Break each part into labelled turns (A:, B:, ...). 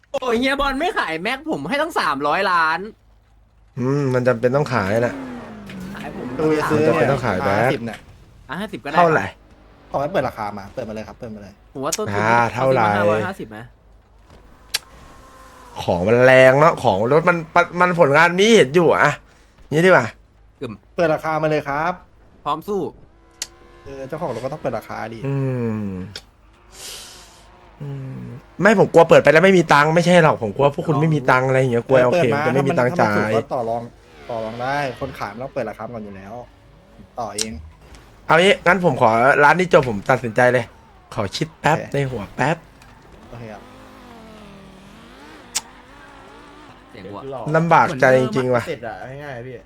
A: โอ้ยเฮียบอลไม่ขายแม็กผมให้ตั้ง300 ล้าน
B: มันจำเป็นต้องขายนะ
A: ขายผม
C: ดูจะซื้อ
B: จะเป็
C: เนี่ย
B: นต้องขายแบ็ค
C: 50เนี่ย
A: 50ก็ได้
B: เท่าไหร่
C: ขอให้เปิดราคามาเปิดมาเลยครับเปิดมาเลย
A: ผมว่าต้นทุน
B: เท่าไหร่
A: 550ไหม
B: ของมันแรงเนาะของรถมันผลงานนี้เห็นอยู่อะนี่ดีกว่า
C: เปิดราคามาเลยครับ
A: พร้อมสู้
C: เจ้าของรถก็ต้องเปิดราคาดิ
B: อืมไม่ผมกลัวเปิดไปแล้วไม่มีตังค์ไม่ใช่หรอกผมกลัวพวกคุณไม่มีตังค์อะไรอย่างเงี้ยกลัวโอเคจะไม่มีตังค์จ่าย
C: ก็ต่อรองได้คนขายมันต้องเปิดราคาก่อนอยู่แล้ว ต่อเอง
B: เอางี้งั้นผมขอร้านนี้จบผมตัดสินใจเลย ขอคิดแป๊บในหัวแป๊บ
C: โอเคครับ
A: เสียงวัว
B: ลำบากใจจริงๆว่ะ
C: เสร็จอะง่ายๆพี่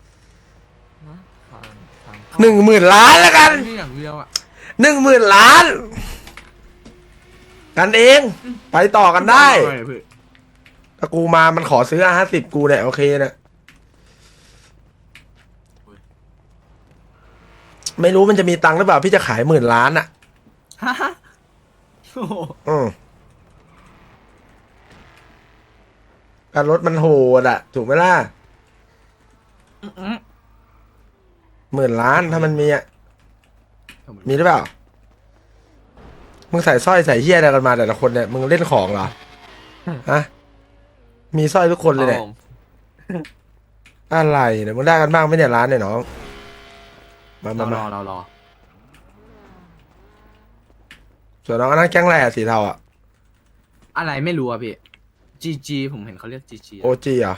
B: 10,000 ล้านแล้วกัน
D: นี่อย่างเดียวอ่ะ
B: 10,000 ล้าน กันเองไปต่อกันได้ถ้ากูมามันขอซื้อ50กูเนี่ยโอเคนะไม่รู้มันจะมีตังค์หรือเปล่าพี่จะขาย10,000 ล้านอ่ะ
A: ฮะโอ้โห
B: การรถมันโหดอ่ะ ถูกไหมล่ะ10,000 ล้านถ้ามันมีอ่ะมีหรือเปล่ามึงใส่สร้อยใส่เหี้ยอะไรกันมาแต่ละคนเนี่ยมึงเล่นของเหรอฮะมีสร้อยทุกคนเลยเนี่ยอะไรเนี่ยมึงได้กันบ้างไหมเนี่ยร้านเนี่ยน้องมาร
A: อ
B: ส่วนน้องอันนั้นแก๊งอะไรอะสีเทาอะ
A: อะไรไม่รู้อ่ะพี่ GG ผมเห็นเขาเรียก GG
B: โอจีอ่ะ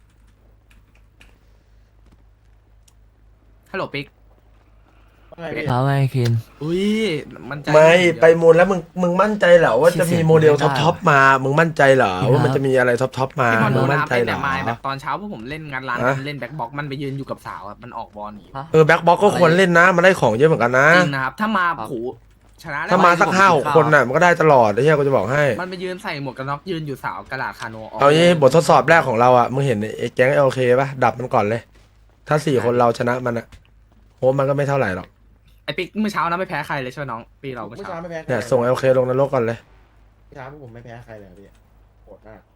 A: ฮัลโหลปิ๊ก
D: เอาไงคิน
A: อุ้ยมันใจ
B: ไม่ไปมูลแล้วมึงมั่นใจเหรอว่าจะมีโมเดลท็อปมามึงมั่นใจเหรอว่ามันจะมีอะไรท็อปมา
A: พี่บอล
B: มึ
A: โด
B: ง
A: น
B: มั่น
A: น้ำ
B: ใจ
A: ไป
B: เหร
A: แต่
B: อ
A: มาแบบตอนเช้าพวกผมเล่นงานร้าน
B: ฮะ
A: เล่นแบ็คบ็อกมันไปยืนอยู่กับสาวอะมันออกบอลหนี
B: แบ็คบ็อกก็ควรเล่นนะมันได้ของเยอะเหมือนกันนะ
A: จริงนะครับถ้ามาผูชนะได้
B: ถ้ามาสัก
A: ผม
B: 5-6 คนน่ะมันก็ได้ตลอดไอ้เหี้ยกูจะบอกให้
A: มันไปยืนใส่หมวกกันน็อกยืนอยู่สาวกระดาษคาโนออก
B: เอางี้บททดสอบแรกของเราอ่ะมึงเห็นไอ้แก๊งโอเคป่ะดับมันก่อนเลย ถ้า4 คนเราชนะมันอ่ะโหมันก็ไม่เท่าไหร่หรอก
A: ไอปิ๊กเมื่อเช้านะไม่แพ้ใครเลยใช่ไหมน้องปีเราเมื่อ
C: เมื่อ
A: เช้า
C: เช้าไม่แพ้
B: เนี่ยส่งโอเคลงนรกก่อนเลย
C: เมื่อเช้าผมไม่แพ้ใครเลยพี่โหดมาก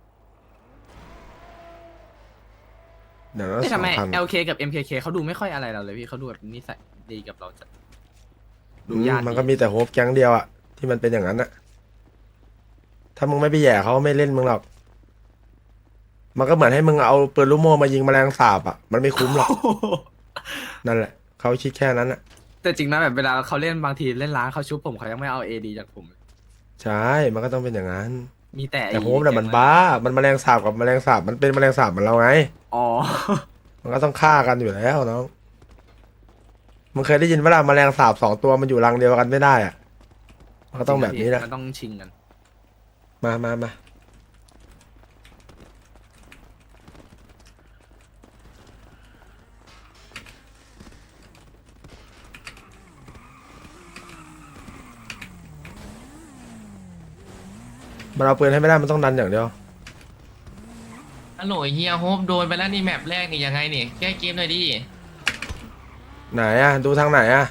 B: เดี๋ยวเรา
A: แต่ทำไม
B: 2,000
A: LK กับ MKK เขาดูไม่ค่อยอะไรเราเลยพี่เขาดูแบบนิสัยดีกับเราจัดดูญาติ
B: มันก็มีแต่โฮปแก๊งเดียวอ่ะที่มันเป็นอย่างนั้นอ่ะถ้ามึงไม่ไปแย่เขาไม่เล่นมึงหรอกมันก็เหมือนให้มึงเอาปืนลูกโม่มายิงแมลงสาบอ่ะมันไม่คุ้มหรอกนั่นแหละเขาคิดแค่นั้นอ่ะ
A: แต่จริงนะแบบเวลาเขาเล่นบางทีเล่นร้านเขาชุบผมเขายังไม่เอา AD จากผม
B: ใช่มันก็ต้องเป็นอย่างนั้น
A: มีแต่
B: แต่โฮปเนี่ยมันบ้ามันแมลงสาบกับแมลงสาบมันเป็นแมลงสาบเหมือนเราไง
A: อ๋อ
B: มันก็ต้องฆ่ากันอยู่แล้วน้องมึงเคยได้ยินว่าแมลงสาบ2 ตัวมันอยู่รังเดียวกันไม่ได้อ่ะมันก็ต้องแบบนี้แหละ
A: มันต้องชิงกัน
B: มามันเอาปืนให้ไม่ได้มันต้องดันอย่างเดียว
D: ฮัลโหลเฮียโฮปโดนไปแล้วนี่แมปแรกนี่ยังไงนี่แก้เกมหน่อยดิ
B: ไหนอ่ะดูทางไหนอ่ะ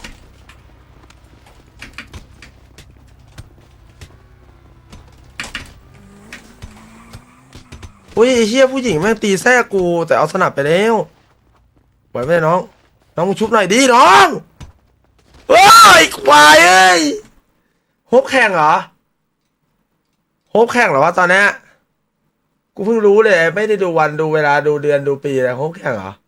B: อุ้ยไอ้เฮียผู้หญิงแม่งตีแท้กูแต่เอาสนับไปแล้วไหวไหมน้องน้องมึงชุบหน่อยดิน้องเฮ้ยควายเอ้ยโฮปแข่งเหรอโฮปแข่งเหรอวะตอนเนี้ยกูเพิ่งรู้เลยไม่ได้ดูวันดูเวลาดูเดือนดูปีอะไรโฮปแข่งเหรอ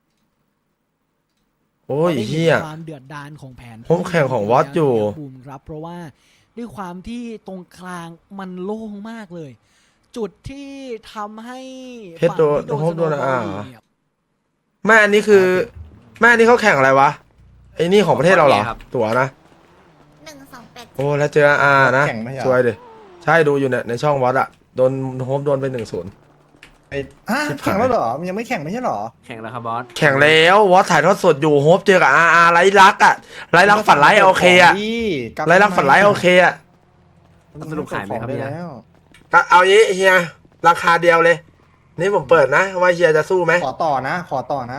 B: โอ้ยเฮีย
E: ความเดือดดาลของแผน
B: ผมแข่งของวอตอยู่
E: ภูมิครับเพราะว่าด้วยความที่ตรงกลางมันโล่งมากเลย จุดที่ทำให้
B: เพชรโดน
E: ฝั่งที่
B: โฮปโดน
E: สโนว์บอล
B: อ่า
E: อยู่เนี่ย
B: แม่อันนี้คือแม่อันนี้เขาแข่งอะไรวะไอ้นี่ของประเทศเราเหรอตั๋วนะ
F: 128
B: โอ้แล้วเจออานะ
C: แข่งไม่ใช่
B: สวยดิใช่ดูอยู่เนี่ยในช่องวอตอะโดนโฮปโดนไป1-0
C: ไอ้แข่งแล้วเหรอมันยังไม่แข่งไม่ใช่เหรอ
A: แข่งแล้วครับบอส
B: แข่งแล้ววอตถ่ายทอดสดอยู่โฮปเจอกับอาไรลักอะไรลักฝันไรโอเคอะไรลักฝันไรโอเคอะ
A: สรุปขายไหมครับ
C: ได้
A: เนี่ย
C: แล้ว
B: ก็เอางี้เฮียราคาเดียวเลย นี่ผมเปิดนะว่าเฮียจะสู้ไหม
C: ขอต่อนะ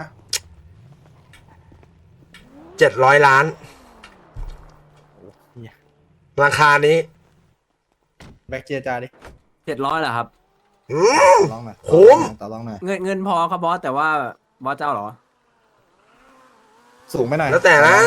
B: 700 ล้าน ราคานี้
C: แบ็กเจียจาดิ
G: 700เหรอครับ
B: อืม
C: ลองหน่อย
B: คุ้ม
C: ต่อรองหน่อย
G: เงินพอครับบอสแต่ว่าบอสเจ้าเหรอ
C: สูงไปหน่อย
B: แล้วแต่นะ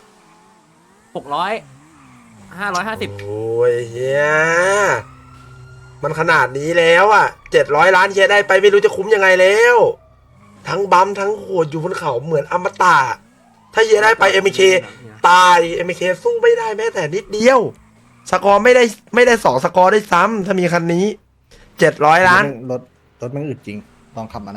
G: 600 550
B: โอ้ยเฮียมันขนาดนี้แล้วอ่ะ700 ล้านเฮียได้ไปไม่รู้จะคุ้มยังไงแล้ว ทั้งบัมทั้งโหดอยู่บนเขาเหมือนอมตะถ้าเฮียได้ไปMK ตาย MK สู้ไม่ได้แม้แต่นิดเดียว สกอร์ไม่ได้2 สกอร์ได้ซ้ำถ้ามีคันนี้700 ล้าน
C: รถมันอึดจริงลองขับมานะ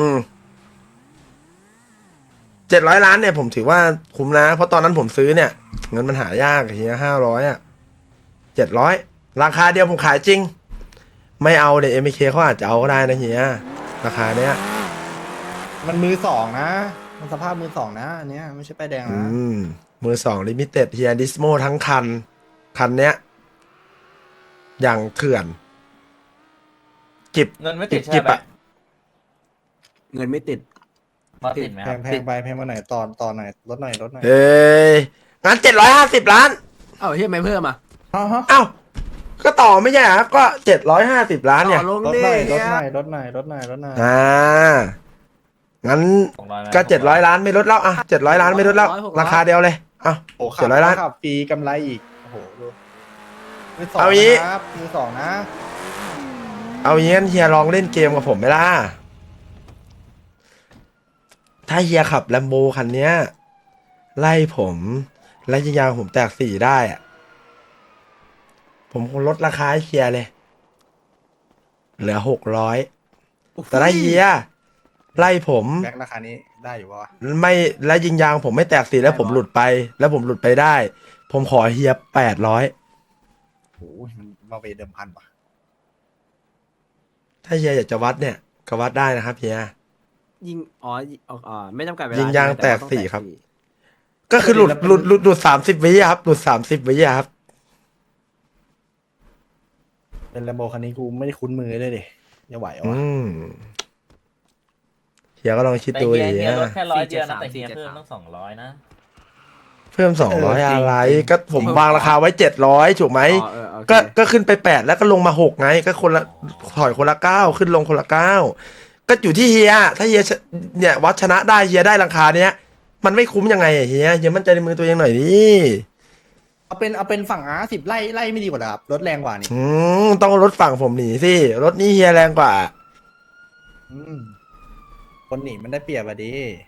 B: 700 ล้านเนี่ยผมถือว่าคุ้มนะ เพราะตอนนั้นผมซื้อเนี่ยเงินมันหายากเฮีย500 อ่ะ 700 ราคาเดียวผมขายจริง ไม่เอาเดี๋ยวMK เขาอาจจะเอาก็ได้นะเฮียราคาเนี้ย
C: มันมือสองนะ มันสภาพมือสองนะอันเนี้ยไม่ใช่ป้ายแดงนะ
B: มือ2ลิมิเต็ดเฮียดิสโมทั้งคันเนี้ยอย่างเถื่อนจิบ
H: เงินไม่ติดใช่
B: จิบ
H: ไหม
B: อะ
G: เงินไม่ติด
H: มาติดไหมครับ
C: แพงไปหน่อยต่อหน่อยลดหน่อย
B: เอ้ยงั้น750 ล้าน
G: เอ้าเฮียไม่เพิ่มอ่ะ
B: เอ้าก็ต่อไม่ใช่เหรอก็750 ล้านเนี่ย
G: ต่อลง
C: ลด
G: ดิ
C: หน่อย
G: เฮีย
B: งั้น
H: 200ไหม
B: ก็700 ล้านไม่ลดแล้วอ่ะ700 ล้านไม่ลดแล้ว ราคาเดียวเลยอ่ะ
C: โอ้ขับ
B: 700 ล้าน
C: ขับฟรีกำไรอีกโอ้โหดูมือสอง
B: เอางี้
C: นะครับมือสองนะ
B: เอาอย่างงี้เฮียลองเล่นเกมกับผมไหมล่ะ ถ้าเฮียขับแลมโบคันเนี้ย ไล่ผมและยิงยางผมแตก4ได้อะผมคงลดราคาให้เฮียเลย เหลือ600 แต่ถ้าเฮียไล่ผม
C: แบ็คราคานี้ได้อยู่ปะวะ
B: ไม่และยิงยางผมไม่แตก4แล้วผมหลุดไป แล้วผมหลุดไปได้ ผมขอเฮีย800
C: โอ้ยมันมาเวเดิมพันป่ะ
B: ถ้าเฮียอยากจะวัดเนี่ยก็วัดได้นะครับเฮีย
G: ยิงไม่จำกัดเวลา
B: ยิงยางแตก
G: ต่ว่
B: สี่ครับ ก็คือหลุด30 วิอะครับหลุด30 วิอะครับ
C: เป็นแลมโบคันนี้กูไม่ได้คุ้นมือเลยดิจะไหวเหรอวะ
B: เฮียก็ลองคิด
H: แต่
B: ดู
H: เฮีย
B: ดิ
H: เฮียลด
B: ฮะ
H: แค่100 เดียวนะแต่เฮียเพิ่มต้อง200นะ
B: เพิ่ม200อะไรก็ผมวางราคาไว้700ถูกไหม
G: โอเค
B: ก็ขึ้นไป8แล้วก็ลงมา6ไงก็คนละถอยคนละ9ขึ้นลงคนละ9ก็อยู่ที่เฮียถ้าเฮียเนี่ยวัดชนะได้เฮียได้ราคาเนี้ยมันไม่คุ้มยังไงอะเฮียมั่นใจในมือตัวเองหน่อยดิ
C: เอาเป็นฝั่งR10ไล่ไม่ดีกว่าเหรอครับรถแรงกว่านี่
B: ต้องรถฝั่งผมหนีสิรถนี้เฮียแรงกว่า
C: อืมคนหนีมันได้เปรียบอะดิ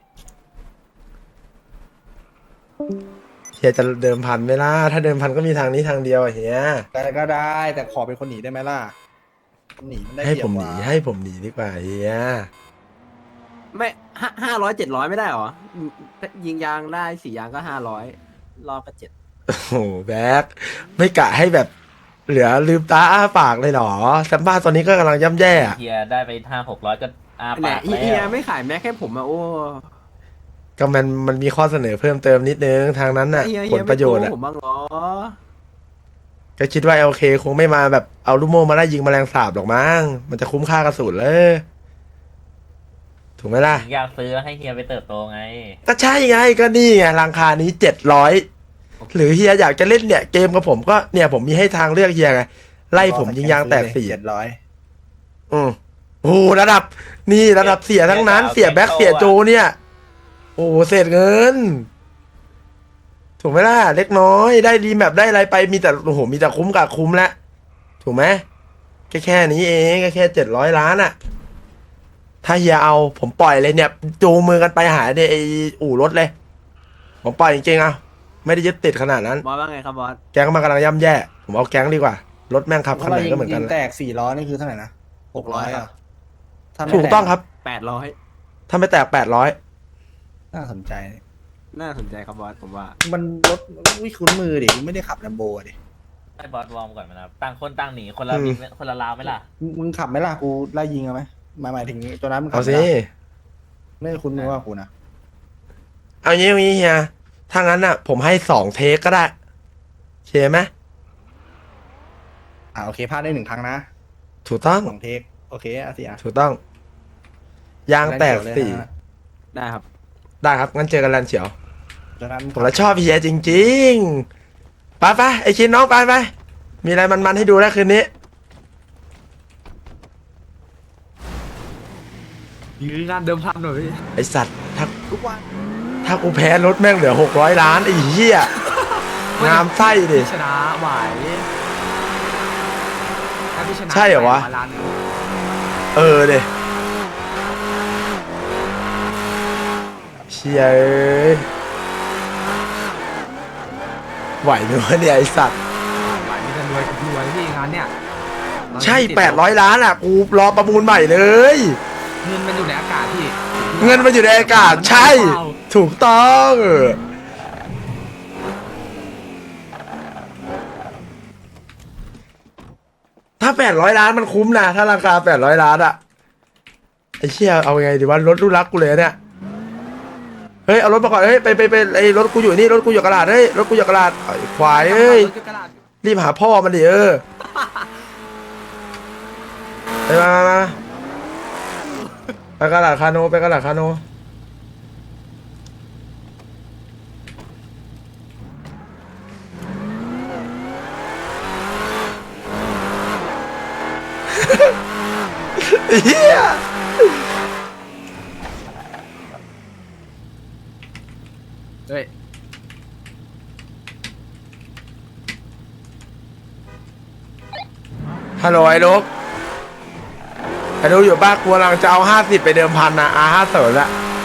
B: เฮียจะเดิมพันไหมล่ะถ้าเดิมพันก็มีทางนี้ทางเดียวอะเฮีย
C: แต่ก็ได้แต่ขอเป็นคนหนีได้ไหมล่ะคนหนีมันได้
B: ให้
C: เปรีย
B: ผ
C: บ
B: ม
C: ก
B: ห
C: ว่า
B: นีให้ผมหนีดีกว่าเฮีย
G: ไม่500 700ไม่ได้เหรอยิงยางได้4ยางก็500รอบก็7
B: โอ้โหแบ็คไม่กะให้แบบเหลือลืมตาอ้าปากเลยเหรอแซมบ้าตอนนี้ก็กำลังย่ำแย่อะ
H: เฮียได้ไป500-600ก็อา
G: เนี่
H: ปาย กแล้ว
G: เฮียไม่ขายแม็กให้ผมอ่ะโอ้
B: ก็มันมีข้อเสนอเพิ่มเติมนิดนึงทางนั้นน่ะ
G: เฮีย
B: ผลประโยชน์
G: ไม่
B: อะ
G: โกงผมบ้างเหรอ
B: ก็คิดว่าโอเคคงไม่มาแบบเอาลูกโม่มาไล่ยิงแมลงสาบหรอกมั้งมันจะคุ้มค่ากระสุนเลยถูกไหมล่ะ
H: อยากซื้อให้เฮียไปเติบโตไง
B: ก็ใช่ไงก็นี่ไงราคานี้700หรือเฮียอยากจะเล่นเนี่ยเกมกับผมก็เนี่ยผมมีให้ทางเลือกเฮียไงไล่ผมยิงยางแตก4
C: 700
B: โอ้โหระดับนี่ระดับเสียทั้งนั้นเสียแบ็คเสียโจเนี่ย โอ้โหเศษเงิน ถูกไหมล่ะเล็กน้อยได้ดีแมปได้อะไรไปมีแต่โอ้โหมีแต่คุ้มกับคุ้มแล้วถูกไหมแค่นี้เองแค่700 ล้านอะถ้าเฮียเอาผมปล่อยเลยเนี่ยจูงมือกันไปหาเนี่ยไออู่รถเลย ผมปล่อยจริงๆเอาไม่ได้ยึดติดขนาดนั้น
G: บอสว่าไงครับบอส
B: แก๊งมันกำลังย่ำแย่ ผมเอาแก๊งดีกว่ารถแม่งขับคันไหนก็เหมือนกัน
C: ยิงแตก4 ล้อนี่คือเท่าไหร่นะ600อ่ะถ้าไม่
B: ถูกต้องครับ
G: 800
B: ถ้าไม่แตก800
C: น่าสนใจ
G: น่าสนใจครับบอสผมว่า
C: มันรถวิคุ้นมือดิกูไม่ได้ขับแลมโบดิ
H: ให้บอสวอร์มก่อนไหมนะครับต่างคนต่างหนีคนละบินคนละลาวไหมล่ะ
C: มึงขับไหมล่ะกูไล่ยิงเอาไหมหมายถึงตัวนั้นมึงขั
B: เอา
C: บไหม
B: สิ
C: ล่ะไม่ได้คุ้นมือว่ากูนะ
B: เอางี้เฮียถ้างั้นอ่ะ ผมให้2 เทคก็ได้โอเคไหม
C: โอเคพลาดได้1 ครั้งนะ
B: ถูกต้อง
C: 2 เทคโอเคอาเซีย
B: ถูกต้อง ยางแตก
C: เลย
B: สี่
C: นะ
G: ได้ครับ
B: ได้ครับงั้นเจอกันแลนด์เฉียว
C: ตัวนั้น
B: ผมละชอบเฮียจริงๆไปไอชินน้องไปมีอะไรมันๆให้ดูแล้วคืนนี้
A: ยื้องานเดิมพันหน่อยพี่
B: ไอสัตว์ถ้า
C: ทุกวัน
B: ถ้ากูแพ้รถแม่งเหลือ600 ล้านไอ้เหี้ยงามไส้ดิ
A: พี่ชนะไหวถ้าพี่ชนะ
B: ใช่เหรอวะ
A: 100 ล้านหนึ่ง
B: เออเดเชียเอ้ยไหวไหมวะเนี่ยไอสัตว์
A: ไหวมีแต่รวยกับรวยพี่งานเนี่ย
B: ใช่800 ล้านอ่ะกูรอประมูลใหม่เลย
A: เงินมันอยู่ในอากาศพี่
B: เงินมันอยู่ในอากาศใช่ ถูกต้องถ้า800 ล้านมันคุ้มนะถ้าราคา800 ล้านอะไอ้เชี่ยเอาไงดีวะรถลูกรักกูเลยเนี่ยเฮ้ยเอารถมาก่อนเฮ้ยไปไอ้รถกูอยู่นี่รถกูอยู่กระดาษเฮ้ยรถกูอยู่กระดาษไอ้ควายเอ้ย
A: รถจุกกระดาษ
B: รีบหาพ่อมันดิไปมาไปกระดาษคาโนไปกระดาษคาโน เฮีย
A: เฮ้ย
B: ฮัลโหลไอ้ลูกไอ้ลูกอยู่บ้านกูกำลังจะเอา50ไปเดิมพันนะ50ละ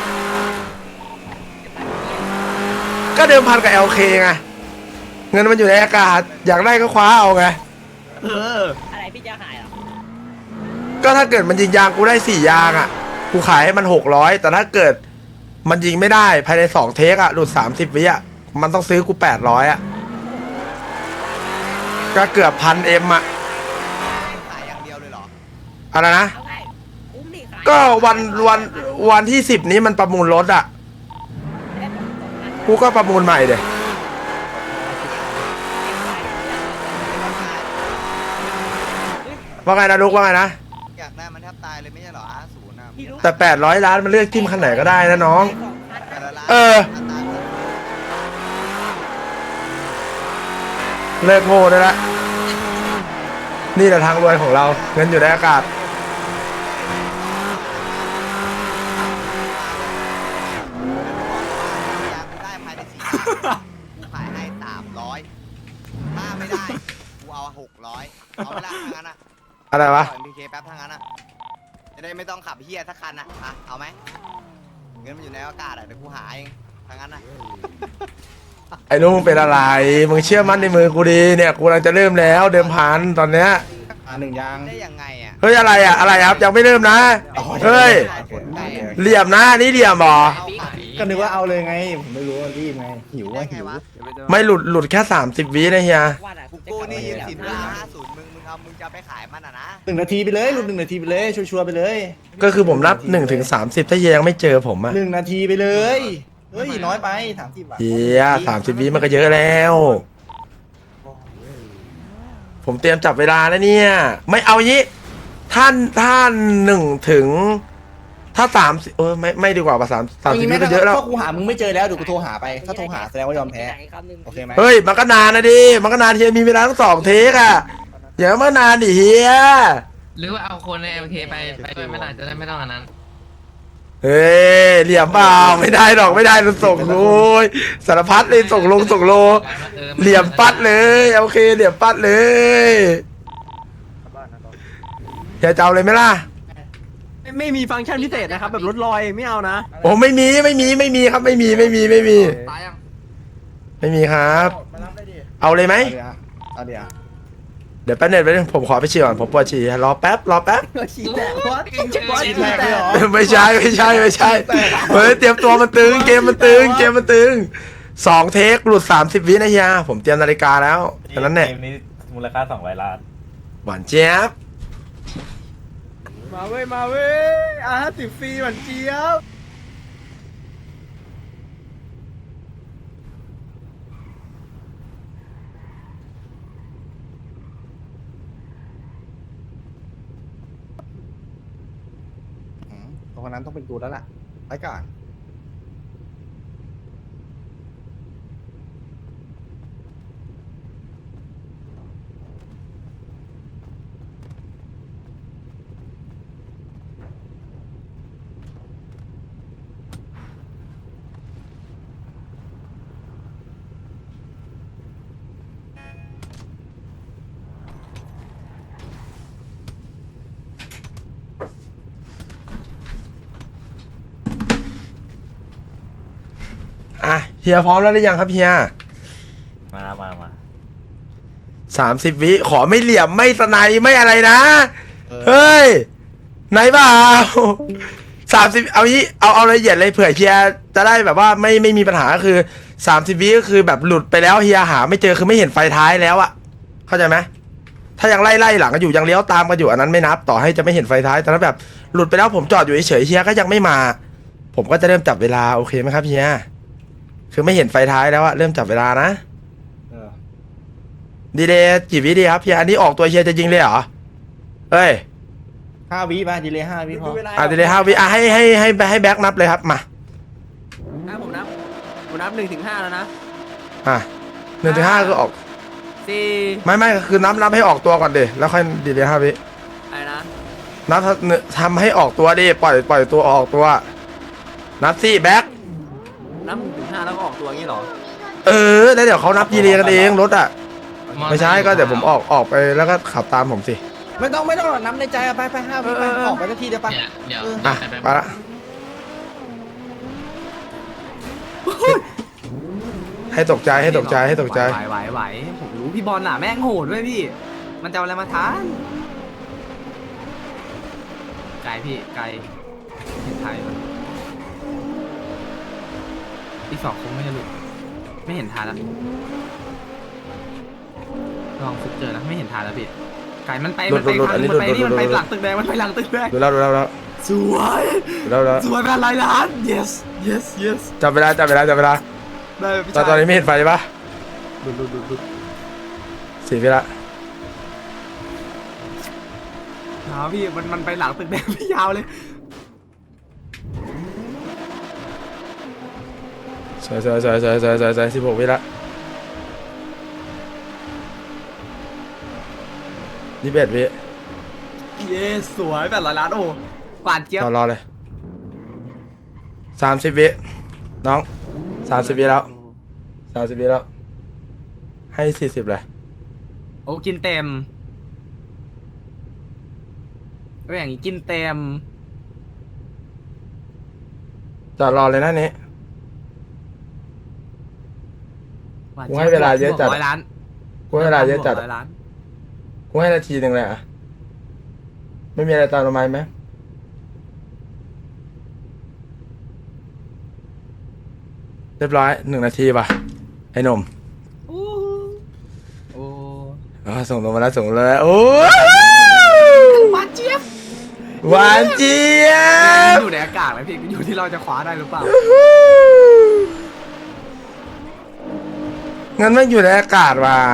B: ก็เดิมพันกับ LK ไงเงินมันอยู่ในอากาศอยากได้ก็คว้าเอาไง
I: อะไรพี่จะหายเหรอ
B: ก็ถ้าเกิดมันยิงยางกูได้4 ยางอ่ะกูขายให้มัน600แต่ถ้าเกิดมันยิงไม่ได้ภายใน2 เทคอ่ะหลุด30 วิอ่ะมันต้องซื้อกู800อ่ะก็เกือบ1,000 Mอ่ะ
C: ขายอย่างเดียวเลยเหรอ
B: อะไรนะ
I: เอาไงอุ้มดิขาย
B: ก็วันที่10นี้มันประมูลรถอ่ะกูก็ประมูลใหม่เดี๋ยว่าไงนะลูกว่าไงนะ
C: อยากได้มันแทบตายเลยไม่ใช่เหรอR0นะ
I: พี่รู้
B: แต่800 ล้านมันเลือกจิ้มคันไหนก็ได้นะน้อง
C: แต่ละร้าน
B: เออ เลิกโง่ได้ละนี่แหละทางรวยของเราเงินอยู่ในอากาศ
C: ยางกูได้ภายใน4 ยางกูขายให้300ถ้าไม่ได้กูเอา600เอาเวลาทางนั้นอะ
B: อะไรวะ
C: ปล่อย MPK แป๊บทางนั้นอะจะได้ไม่ต้องขับเฮียสักคันอะเอาไหมเงินมันอยู่ในอากาศอะเดี๋ยวกูหาเองทางนั้นอะ
B: ไอ้ลูกมึงเป็นอะไรมึงเชื่อมั่นในมือกูดีเนี่ยกูกำลังจะเริ่มแล้วเดิมพันตอนเนี้ย
C: 1 ยางได้ยังไงอะ
B: เฮ้ยอะไรอะอะไรครับยังไม่เริ่มนะเฮ้ยเหลี่ยมนะนี่เหลี่ยมเหรอ
C: ก็นึกว่าเอาเลยไงผมไม่รู้ว่ารีบไงหิวว่าหิว
B: ไม่หลุดแค่30 วินะเฮีย
I: ว่าน่ะ
C: กูนี่ยืมสินเวลา50มึงจะไปขายมันอะนะ
J: 1 นาทีไปเลยลุง1 นาทีไปเลยชัวร์ๆไปเลย
B: ก็คือผมนับ1 ถึง 30ถ้าเฮียยังไม่เจอผมอะ
J: 1 นาทีไปเลยเฮ้ยน้อยไป30 บาท
B: เฮีย30 วิมันก็เยอะแล้ว ผมเตรียมจับเวลาแล้วเนี่ย ไม่เอางี้ท่าน1 ถึง ถ้า30ไม่ดีกว่าป่ะ30 วิก็เยอะแล้ว
J: ถ้ากูหามึงไม่เจอแล้วเดี๋ยวกูโทรหาไปถ้าโทรหาแสดงว่ายอมแพ้ โอเคไหม
B: เฮ้ยมันก็นานนะดิมันก็นานเฮียมีเวลาทั้ง2 เทคอะอย่ามานานดิเฮีย
D: หรือว่าเอาคนใน MK ไปด้วยไม่ได้จะได้ไม่ต้องอันนั้น
B: เฮ้ยเหลี่ยมเปล่าไม่ได้หรอกไม่ได้เราส่งโยสารพัดเลยส่งลงส่งโลเหลี่ยมปัดเลยโอเคเหลี่ยมปัดเลยอย่าจะเอาเลยไหมล่ะ
G: ไม่มีฟังก์ชันพิเศษนะครับ แบบรถลอยไม่เอานะ
B: โอ้ไม่มีครับไม่มีไม่มี
A: ตายยัง
B: ไม่มีครับ เอาเลยไหม
J: เอาเดี๋ยว
B: เดี๋ยวแป๊บนึงผมขอไปฉี่ก่อนผมปวดฉี่รอแป๊บ
G: ฉีดแตกวะ
J: ฉีดแตกเลยเหรอ
B: ไม่ใช่เฮ้ยเตรียมตัวมันตึงเกมมันตึง2 เทคหลุด30 วินะเฮียผมเตรียมนาฬิกาแล้วฉะนั้นเนี่ย
H: เกมนี้มูลค่า200 ล้าน
B: หวานเจี๊ยบ
C: มาเว้ยR50 ฟรีหวานเจี๊ยบ
J: ตรงนั้นต้องเป็นกูแล้วล่ะไปก่อน
B: เฮียพร้อมแล้วหรือยังครับเฮีย
H: มา
B: 30 วิขอไม่เหลี่ยมไม่สไนไม่อะไรนะเฮ้ยไหนเปล่า30เอางี้เอาละเอียดเลยเผื่อเฮียจะได้แบบว่าไม่มีปัญหาก็คือ30 วิก็คือแบบหลุดไปแล้วเฮียหาไม่เจอคือไม่เห็นไฟท้ายแล้วอะเข้าใจไหมถ้ายังไล่หลังกันอยู่ยังเลี้ยวตามกันอยู่อันนั้นไม่นับต่อให้จะไม่เห็นไฟท้ายแต่ถ้าแบบหลุดไปแล้วผมจอดอยู่เฉยๆเฮียก็ยังไม่มา ผมก็จะเริ่มจับเวลาโอเคไหมครับเฮียคือไม่เห็นไฟท้ายแล้วอะเริ่มจับเวลานะ
J: เออ
B: ดีเลยกี่วิดีครับเฮียอันนี้ออกตัวเฮียจะยิงเลยเหรอเฮ้ย
J: 5 วิป่ะดีเลย5 วิพอ
B: ดีเลย5 วิให้แบ็คนับเลยครับมา
G: ผมนับ1 ถึง 5แล้วนะ
B: 1 ถึง 5ก็ออก
G: 4
B: ไม่คือนับให้ออกตัวก่อนดิแล้วค่อยดีเลย5 วิ
G: อะไรนะ
B: นับทำให้ออกตัวดิปล่อยตัวออกตัวนับสิแบ็ค
G: นับ1 ถึง 5แล้วก็ออกตัวอย่างนี้เหรอ
B: แล้วเดี๋ยวเขานับดีเลยกันเองรถอ่ะไม่ใช่ก็เดี๋ยวผมออกไปแล้วก็ขับตามผมสิ
J: ไม่ต้องน้ำในใจอะไป5 วิไปออกไปสักทีเดียวไป
D: เดี๋ยว
B: อ่ะไปละให้ตกใจ
A: ไหวผมรู้พี่บอลน่ะแม่งโหดด้วยพี่ มันจะเอาอะไรมาทานไกลพี่ไกลเห็นไทยมันอีก2คงไม่จะหลุดไม่เห็นทานแล้วลองฟุกเจอนะไม่เห็นทานแล้วพี่ไก่มันไปมันไปหลังตึกแดงมันไปหลังตึกแดง
B: ดูแล้ว
A: สวยเป็นร้อยล้าน yes
B: จับเวลา
A: ได้พี่ชาย
B: ตอนนี้ไม่เห็นไฟปะ4 วิละ
A: พี่มันไปหลังตึกแดงพี่ยาวเลย
B: สวย16 วิละ21 วิ
A: yes สวยแบบร้อยล้านโอ้หวานเจี๊ยบ
B: รอเลย30 วิน้อง30 วิแล้ว30 วิแล้วให้40เลย
A: โอ้กินเต็มก็อย่างนี้กินเต็ม
B: จอดรอเลยนะนี้
A: หวาน
B: กูให้เวลาเยอะจัด
A: ร้อยล้าน
B: กูให้เวลาเยอะจัด
A: ร้อยล้าน
B: กูให้นาทีหนึ่งเลยอ่ะไม่มีอะไรตามลงมาไหมเรียบร้อย1 นาทีป่ะไอ้หนุ่ม
A: โอ้
B: ส่งลงมาแล้วโอ้หวานเจี๊ยบ
A: อยู่ในอากาศเลยพี่อยู่ที่เราจะคว้าได้หรือเปล่า
B: งั้นไม่อยู่ในอากาศว่ะ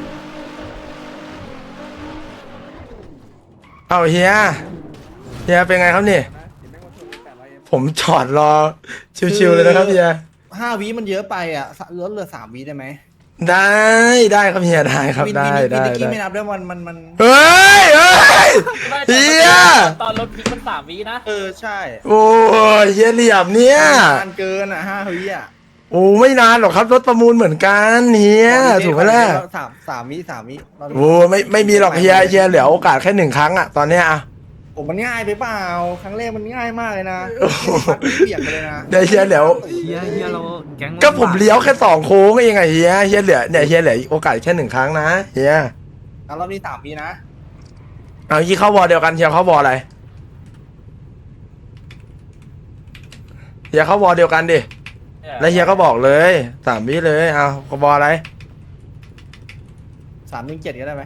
B: เอาเฮียเป็นไงครับนี่ผมจอดรอชิวๆเลยนะครับเฮีย
J: 5 วิมันเยอะไปอ่ะลดเหลือ3 วิได้ไหม
B: ได้ครับเฮียได้ครับ
J: วิน
B: ได้
J: นิกกี้ไม่นับด้วยมัน
B: เฮ้ยเฮีย
H: ตอนรถพลิกมัน3 วินะ
J: ใช่
B: โอ้ยเฮียเหลี่ยมเนี่ย
J: นานเกินอ่ะ5 วิอ่ะ
B: โอ้ไม่นานหรอกครับรถประมูลเหมือนกันเฮียถูกไหมล่ะ
J: 3 วิ
B: โอ้ไม่มีหรอกเฮียเหลือโอกาสแค่1 ครั้งอะตอนเนี้ยอะ
J: ผมมันง่ายไปเปล่าครั้งแรกมันง่ายมากเลยนะ
B: โอ้โห
J: เปลี่ยนไปเลยนะ
B: เดี๋ยวเฮียเหลือ
A: เฮียเราแก๊ง
B: ก็ผมเลี้ยวแค่2 โค้งเองไงเฮียเหลือเนี่ยเฮียเหลือโอกาสแค่1 ครั้งนะเฮีย
J: แล้วรอบนี้3 วินะ
B: เอายี่เข้าวอลเดียวกันเฮียเข้าวอลอะไรเฮียเข้าวอลเดียวกันดิแล้วเฮียก็บอกเลย3 วิเลยเอาวอลอะไร
J: 3-7ก็ได้ไหม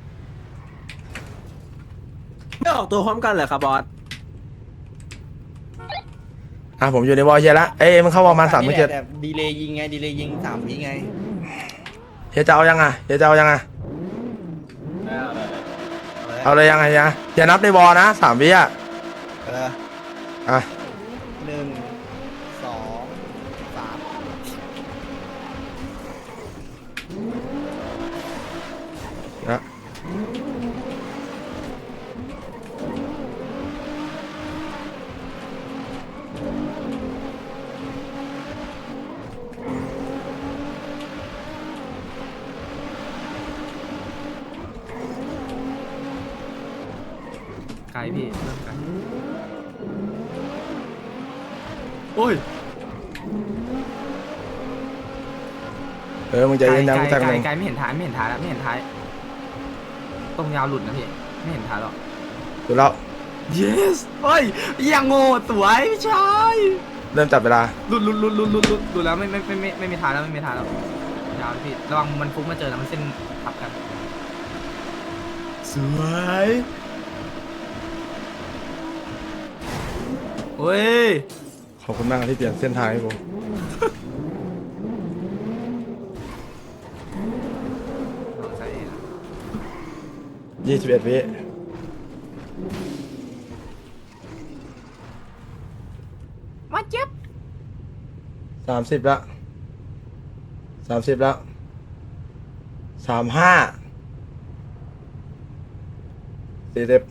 G: ไม่ออกตัวพร้อมกันเหรอครับบอส
B: ผมอยู่ในวอลเฮียละมึงเข้าวอลมา3 7
J: แต่ดีเลย์ยิงไงดีเลย์ยิง3 วิไง
B: เฮียจะเอายังเอาเลยยังไงเฮียนับในวอลนะ3 วิอ่ะ
J: 1 2 3
B: นะ
A: ไกลพี่เริ่มไกลโอ้ย
B: มึงใจเย็นนะกูแทง
A: ไกล
B: มึง
A: ไกลไม่เห็นท้ายไม่เห็นท้ายแล้วไม่เห็นท้ายตรงยาวหลุดนะพี่ไม่เห็นท้ายหรอก
B: ดูแล้ว
A: yes เฮ้ยยังโง่สวยพี่ชาย
B: เริ่มจับเวลา
A: หลุดแล้วไม่มีท้ายแล้วไม่มีท้ายแล้วยาวพี่ระวังมันฟุ้งมาเจอแล้วมันเส้นทับกันสวยเฮ้ย
B: ขอบคุณมากที่เปลี่ยนเส้นทางให้กู21 วิ
A: มาเจ็บ
B: 30ละ30ละ35 40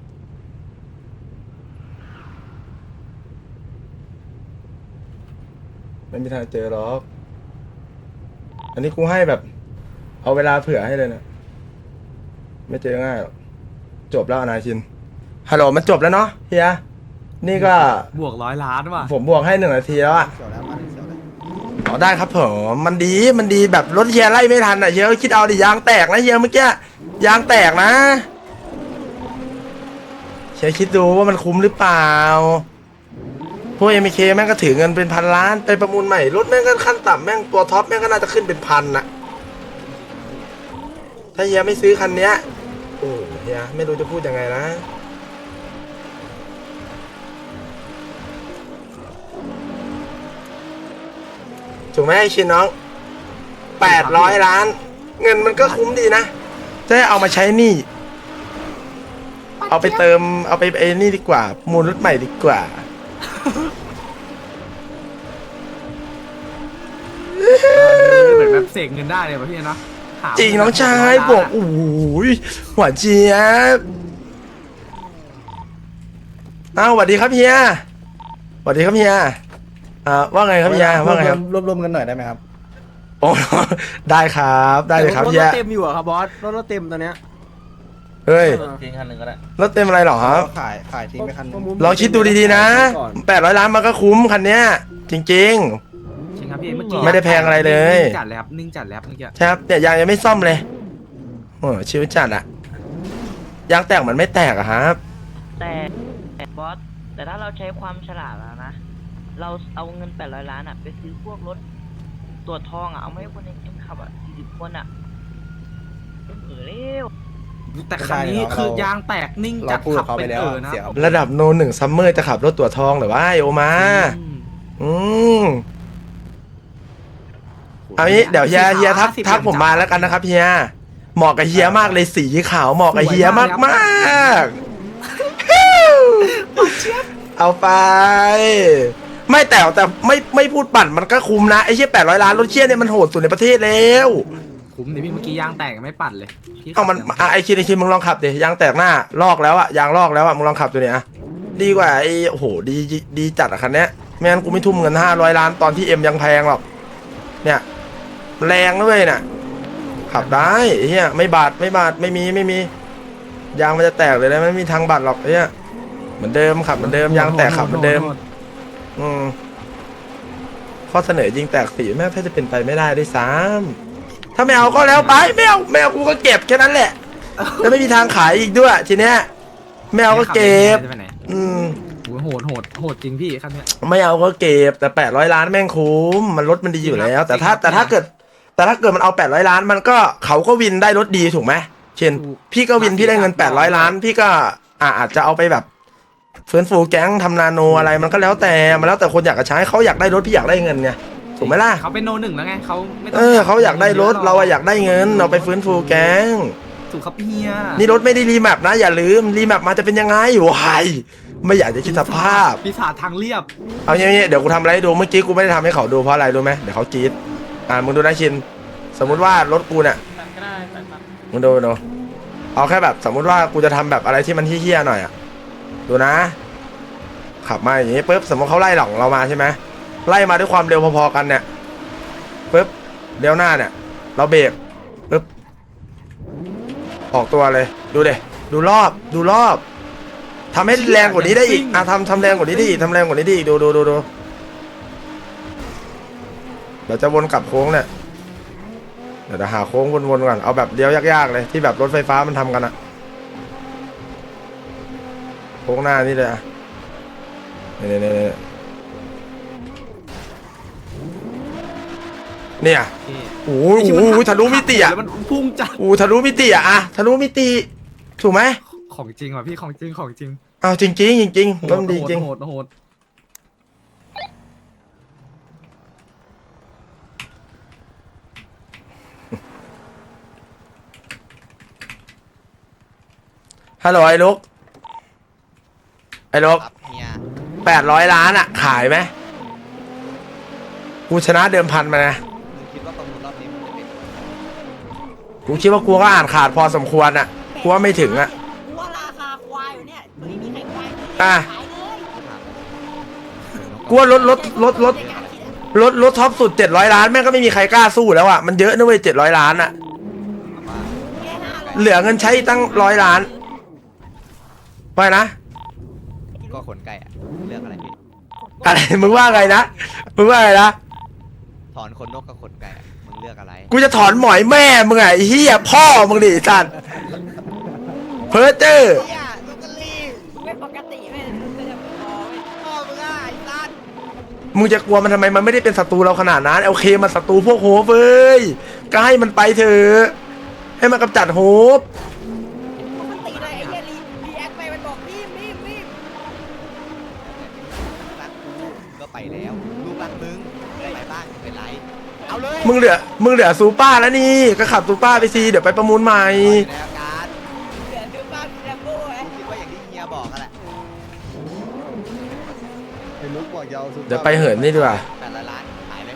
B: ไม่มีทางเจอหรอก อันนี้กูให้แบบ เอาเวลาเผื่อให้เลยนะ ไม่เจอง่ายหรอก จบแล้วอนาคิน ฮัลโหลมันจบแล้วเนาะเฮีย นี่ก็
A: บวก100 ล้านว่ะ
B: ผมบวกให้1 นาทีแล้วอะ
J: เขียวแล้วมาเขียวเลย
B: อ๋อได้ครับผมมันดีแบบรถเฮียไล่ไม่ทันอ่ะเฮียก็คิดเอาดิยางแตกนะเฮียเมื่อกี้ยางแตกนะเฮียคิดดูว่ามันคุ้มหรือเปล่าพวก MK แม่งก็ถือเงินเป็นพันล้านไปประมูลใหม่รถแม่งก็ขั้นต่ำแม่งตัวท็อปแม่งก็น่าจะขึ้นเป็นพันนะถ้าเฮียไม่ซื้อคันเนี้ยโอ้เฮียไม่รู้จะพูดยังไงนะถูกไหมไอ้ชินน้อง800 ล้าน เงินมันก็คุ้มดีนะจะได้เอามาใช้หนี่เอาไปเติมเอาไปไอ้นี่ดีกว่ามูลรถใหม่ดีกว่า
A: เหมือนแบบเสกเงินได้เลยป่ะพี่เนาะหา
B: จริงน้องชายบอกโอ้โหหวานเจี๊ยบอ้าวสวัสดีครับเฮียสวัสดีครับเฮียว่าไงครับเฮียว่าไงครับ
J: รวมกันหน่อยได้ไหมครับ
B: โอ้ได้ครับได้เลยครับ
G: รถ
B: เฮีย
G: เต็มอยู่อะครับบอสรถเต็มตอนเนี้ย
B: เฮ้ย
H: ทิ้งคันหนึ่งก็ได้
B: รถเต็มอะไรหรอครับ
J: ขายทิ้งไปคันหนึง
B: ลองคิดดูดีๆนะ800 ล้านมันก็คุ้มคันเนี้ยจริง
A: จริงครับพี่เมื่อกี้
B: ไม่ได้แพงอะไรเลย
A: นิ่งจัดเลยครับนิ่งจัดแล้วเมื่อกี้
B: ๆใช่ครับเนี่ยยางยังไม่ซ่อมเลยโอ้ชิวจัดอะยางแตกมันไม่แตกอะครับ
I: แต่บอสแต่ถ้าเราใช้ความฉลาดแล้วนะ เราเอาเงิน800 ล้านอ่ะไปซื้อพวกรถตัวจทองอ่ะเอาไม่ให้คนในเกมขับอ่ะ40 คนอ่ะเร็ว
A: แต่คันนี้คือยางแตกนิ่งจัด
J: เราพูด
A: ขั
J: กับบ เขา
A: เป็
J: ไป
A: น
J: แล้ว
A: นะ
J: เสียครับ
B: ระดับโนหนึ่งซัมเมอร์จะขับรถตัวทองหรือว่าไอโอมา
A: อืม
B: อืมเอางี้เดี๋ยวเฮียทักผมมาแล้วกันนะครับเฮียเหมาะกับเฮียมากเลยสีขาวเหมาะกับเฮียมากมากๆเอาไป ไม่แต่ไม่พูดปั่นมันก็คุ้มนะไอ้เชี่ย800 ล้านรถเชี่ยเนี่ยมันโหดสุดในประเทศแล้ว
A: คุ้มดิพี่เมื่อกี้ยางแตกไม่ปัดเลยพี่
B: เอามัน
A: ขับ
B: ไอคินมึงลองขับดิยางแตกหน้าลอกแล้วอะยางลอกแล้วอะมึงลองขับตัวเนี้ยดีกว่าไอ้โอ้โหดีจัดอะคันเนี้ยไม่งั้นกูไม่ทุ่มเงิน500 ล้านตอนที่เอ็มยังแพงหรอกเนี่ยแรงด้วยน่ะขับได้ไอ้เฮียไม่บาดไม่มียางมันจะแตกเลยนะไม่มีทางบาดหรอกไอ้เฮียเหมือนเดิมขับเหมือนเดิมยางแตกขับเหมือนเดิมข้อเสนอยิงแตกสีแม่งถ้าจะเป็นไปไม่ได้ด้วยซ้ำถ้าไม่เอาก็แล้วไปไม่เอากูก็เก็บแค่นั้นแหละแล้วไม่มีทางขายอีกด้วยทีเนี้ยไม่เอาก็เก็บ
A: จะไปไหน
B: โ
A: โหดจริงพี่คันเนี้ย
B: ไม่เอาก็เก็บแต่800 ล้านแม่งคุ้มมันรถมันดีอยู่แล้ว แต่ถ้าเกิดมันเอา800 ล้านมันก็เขาก็วินได้รถดีถูกไหมเช่นพี่ก็วินพี่ได้เงิน800 ล้านพี่ก็อาจจะเอาไปแบบฟื้นฟูแก๊งทำนาโนอะไรมันก็แล้วแต่คนอยากจะใช้เขาอยากได้รถพี่อยากได้เงินไงถูกไหมล่ะ
A: เขาเป็นโนหนึ่งแล้วไงเขาไม่ต้
B: เขาอยากได้รถเราอยากได้เงินเราไปฟื้นฟูแก๊ง
A: ถูกครับเฮีย
B: นี่รถไม่ได้รีแมปนะอย่าลืมรีแมปมาจะเป็นยังไงวายไม่อยากจะคิดสภาพ
A: ปีศาจทางเรียบ
B: เอาอย่างนี้เดี๋ยวกูทำอะไรให้ดูเมื่อกี้กูไม่ได้ทำให้เขาดูเพราะอะไรรู้ไหมเดี๋ยวเขากรี๊ดมึงดูนะชินสมมุติว่ารถกูเนี่ยมึงดูเอาแค่แบบสมมุติว่ากูจะทำแบบอะไรที่มันเฮี้ยๆหน่อยอ่ะดูนะขับมาอย่างนี้ปุ๊บสมมติเขาไล่หลังเรามาใช่ไหมไล่มาด้วยความเร็วพอๆกันเนี่ยปุ๊บเลี้ยวหน้าเนี่ยเราเบรกปุ๊บออกตัวเลยดูเดดูรอบทำให้แรงกว่านี้ได้อีกทำแรงกว่านี้ได้อีกดูเดี๋ยวจะวนกลับโค้งเนี่ยเดี๋ยวหาโค้งวนๆก่อนเอาแบบเลี้ยวยากๆเลยที่แบบรถไฟฟ้ามันทำกันอะโค้งหน้านี่เลยอะเนี่ยเนี่ย
A: พี่
B: โอ้โหทะลุมิติอะ
A: แล้วมันพุ่งจัด
B: โอ้ทะลุมิติอะทะลุมิติถูกไหม
A: ของจริงว่ะพี่ของจริงของจริง
B: เอาจริงๆจริงๆรถมันดีจริง
A: โหดโหด
B: ฮัลโหลไอ้ลูก
C: ครับเฮีย
B: 800 ล้านอะขายไหมกูชนะเดิมพันมานะ
C: มึงคิดว่าประมูลรอบนี้มันจะเป็น
B: กูคิดว่ากูก็อ่านขาดพอสมควรอะกูว่าไม่ถึงอะ
F: กูว่าราคาควายอยู่เนี่ยไม่มีใครควายเลย
B: อ่ะ
F: ขายเลย
B: กูว่ารถท็อปสุด700 ล้านแม่งก็ไม่มีใครกล้าสู้แล้วอะมันเยอะนะเว้ย700 ล้านอะ
F: แค่500
B: เหลือเงินใช้อีกตั้ง100 ล้านไปนะ
C: ก็ขนไก่อะเลือกอะไรพี่
B: อะไรมึงว่าไงนะมึงว่าไงนะ
C: ถอนขนนกกับขนไก่อะมึงเลือกอะไร
B: กูจะถอนหมอยแม่มึงไงไอ้เฮียพ่อมึงดิสัตว์เพอเจอร์
C: เฮียลูกกะลี
F: ไม่ปกติไม่ไม่ได้พอไม่
C: พ่อมึงอ่ะไอ้สัส
B: มึงจะกลัวมันทำไมมันไม่ได้เป็นศัตรูเราขนาดนั้นโอเคมันศัตรูพวกโฮปเว้ยก็ให้มันไปเถอะให้มันกำจัดโฮป
F: ปกติเลยไอ้เหี้ยรีแอคไปมันบอกรีบ
C: รักกูก็ไปแล้วลูกรักมึงไปบ้างเป็นไรเอาเลย
B: มึงเหลือซูเปอร์แล้วนี่ก็ขับซูเปอร์ไปสิเดี๋ยวไปประมูลใหม่
C: อยู่ในอาการ
F: เหลือดูบ้านแลมโบ้ไอ้
C: กูคิดว่าอย่างที่เฮียบอกกันแหละ
J: ไอ้ลุกบอกยาวสุด
B: เดี๋ยวไปเหินนี่ดีกว่า
C: 800 ล้านขายเลย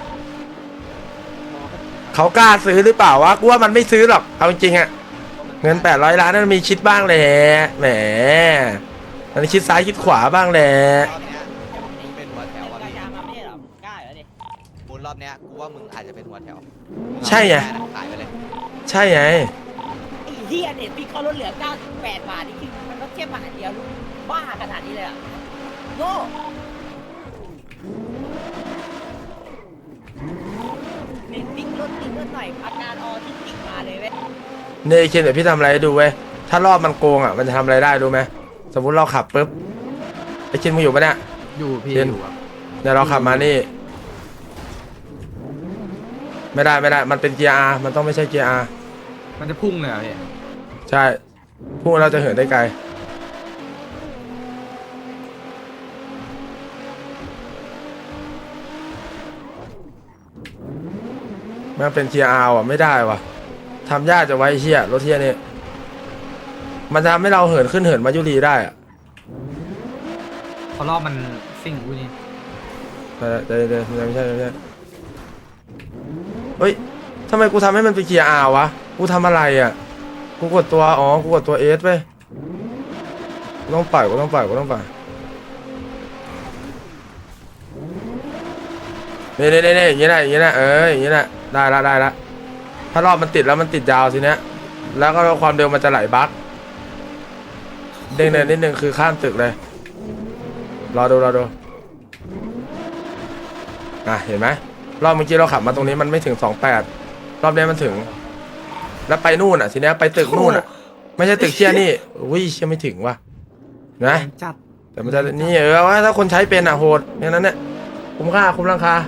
B: เขากล้าซื้อหรือเปล่าวะกูว่ามันไม่ซื้อหรอกเอาจริงๆอะเงิน800 ล้านนั้นมีคิดบ้างแหละแหมมันคิดซ้ายคิดขวาบ้างแหละ
C: รอบเนี้ยมึงเป็นหัวแถวอ่ะ
F: รา
C: พี่
F: คามาไม่ได้หรอกกล้าเหรอดิ
C: มูลรอบเนี้ยกูว่ามึงอาจจะเป็นหัวแถว
B: ใช่ไง
C: ขายไปเลย
B: ใช่ไง
F: ไอ้เหี้ยเน็ตพี่เขาลดเหลือ98 บาทนี่คือมันลดแค่บาทเดียวบ้าขนาดนี้เลยอ่ะโง่เน็ตติ๊กลดหน่อยอาการออทิสติกมาเลยเว้ย
B: เนี่ยไอ้เคนเดี๋ยวพี่ทำอะไรให้ดูเว้ยถ้ารอบมันโกงอ่ะมันจะทำอะไรได้รู้ไหมสมมุติเราขับปุ๊บไอ้เคนมึงอยู่ปะเนี่ย
A: อยู่พี่
B: เย็น
A: อยู่ครับ
B: เดี๋ยวเราขับมานี่ ไม่ได้มันเป็นเกียร์ R มันต้องไม่ใช่เกียร์ R
A: มันจะพุ่งเลยอ่ะพี่
B: ใช่พวกเราจะเหินได้ไกลมันเป็นเกียร์ R อ่ะไม่ได้ว่ะทำยากจะไว้เฮียรถเฮียนี่มันจะทำให้เราเหินขึ้นเหินมายุรีได้อ่ะ
A: พอรอบมันซิ่งอุ้ยนี่
B: เดี๋ยวไม่ใช่เฮ้ยทำไมกูทำให้มันเป็นเกียร์ R วะกูทำอะไรอ่ะกูกดตัวกูกดตัว S ไปกูต้องปล่อยนี่อย่างนี้แหละอย่างนี้แหละอย่างนี้แหละได้ละถ้ารอบมันติดแล้วมันติดยาวทีเนี้ยแล้วก็ความเร็วมันจะไหลบั๊กเด้งเนินนิดนึงคือข้ามตึกเลยรอดูเห็นไหมรอบเมื่อกี้เราขับมาตรงนี้มันไม่ถึง28รอบนี้มันถึงแล้วไปนู่นอ่ะทีเนี้ยไปตึกนู่นอ่ะไม่ใช่ตึกเชี่ยนี่อุ้ยเชี่ยไม่ถึงว่ะนะ
A: จัด
B: แต่มันจะนี่ว่าถ้าคนใช้เป็นอ่ะโหดอย่างนั้นเนี่ยคุ้มราคา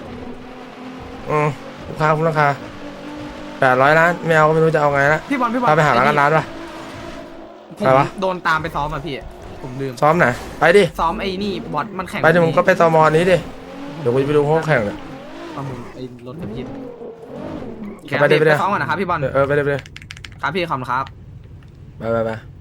B: คุ้มราคา800 ล้านไม่เอาก็ไม่รู้จะเอาไงละ
A: พี่บอล
B: พาไปหาร้านป่ะ
A: ผม
B: ไปวะ
A: โดนตามไปซ้อมอ่ะพี่ผมลืม
B: ซ้อมไหนไปดิ
A: ซ้อมไอ้นี่บอสมันแข่ง
B: ไปดิมึงก็ไปตมนี้ดิเดี๋ยวกูจะไปดูห้องแข่งเนี่ย
A: ประมูลไอ้รถกับพี่
B: ไปดิ
A: ซ้อมก่อนนะครับพี่บอล
B: ไปเลย
A: ครับพี่ขอบคุณครับ
B: ไป